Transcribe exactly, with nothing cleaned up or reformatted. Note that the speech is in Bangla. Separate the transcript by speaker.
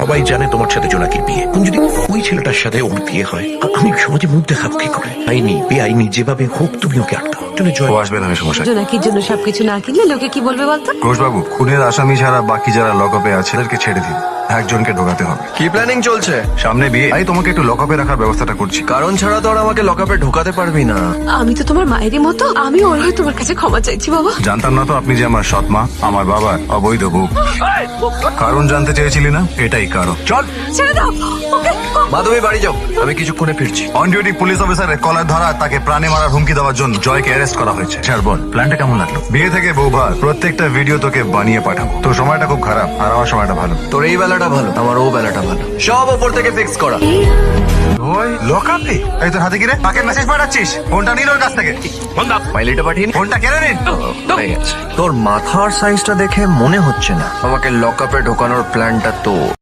Speaker 1: সবাই জানে তোমার সাথে জোনাকির বিয়ে। এখন যদি ওই ছেলেটার সাথে ওর বিয়ে হয়, আ- আমি সমাজে মুখ দেখাবো কি করে? আইনি বেআইনি যেভাবে হোক তুমি ওকে আটকাও। চলে জয়
Speaker 2: ও আসবে না সমস্যা।
Speaker 3: জোনাকির জন্য সবকিছু না কিনলে লোকে কি বলবে বলতো?
Speaker 2: ঘোষবাবু, খুনের আসামি ছাড়া বাকি যারা লকআপে আছে তাদেরকে ছেড়ে দিন। একজনকে ঢোকাতে হবে।
Speaker 4: কি প্ল্যানিং চলছে?
Speaker 2: সামনে বিয়ে, তাই তোমাকে একটু লকআপে রাখার ব্যবস্থাটা করছি।
Speaker 4: কারণ ছাড়া তো আর আমাকে লকআপে ঢোকাতে পারবি না।
Speaker 3: আমি তো তোমার মায়েরই মতো, আমি ওর হয়ে তোমার কাছে ক্ষমা চাইছি বাবা।
Speaker 2: জানতাম না তো আপনি যে আমার সৎ মা, আমার বাবার অবৈধ বউ। কারণ জানতে চেয়েছিলি না? এটাই কারণ। চল।
Speaker 3: ছেড়ে দাও ওকে।
Speaker 4: মা তুমি বাড়ি যাও, আমি কিছুক্ষণে ফিরছি।
Speaker 2: অন ডিউটি পুলিশ অফিসারের কলার ধরা, তাকে প্রাণে মারার হুমকি দেওয়ার জন্য জয়কে অ্যারেস্ট করা হয়েছে। স্যার বল, প্ল্যানটা কেমন লাগলো? বিয়ে থেকে বউ ভার, প্রত্যেকটা ভিডিও তোকে বানিয়ে পাঠাবো। তোর সময়টা খুব খারাপ আর আমার সময়টা ভালো।
Speaker 4: তোর এই বেলাটা ভালো, আমার ও বেলাটা ভালো। সব ওপর থেকে ফিক্স করা।
Speaker 2: ওই লকআপে? এই তোর হাতে কি রে? কাকে মেসেজ পাঠাচ্ছিস? ফোনটা নিল ওর কাছ থেকে।
Speaker 4: মাইলিটা পাঠিয়ে নি।
Speaker 2: ফোনটা কেড়ে নিন।
Speaker 4: তোর মাথার সাইজটা দেখে মনে হচ্ছে না আমাকে লকআপে ঢোকানোর প্ল্যানটা তো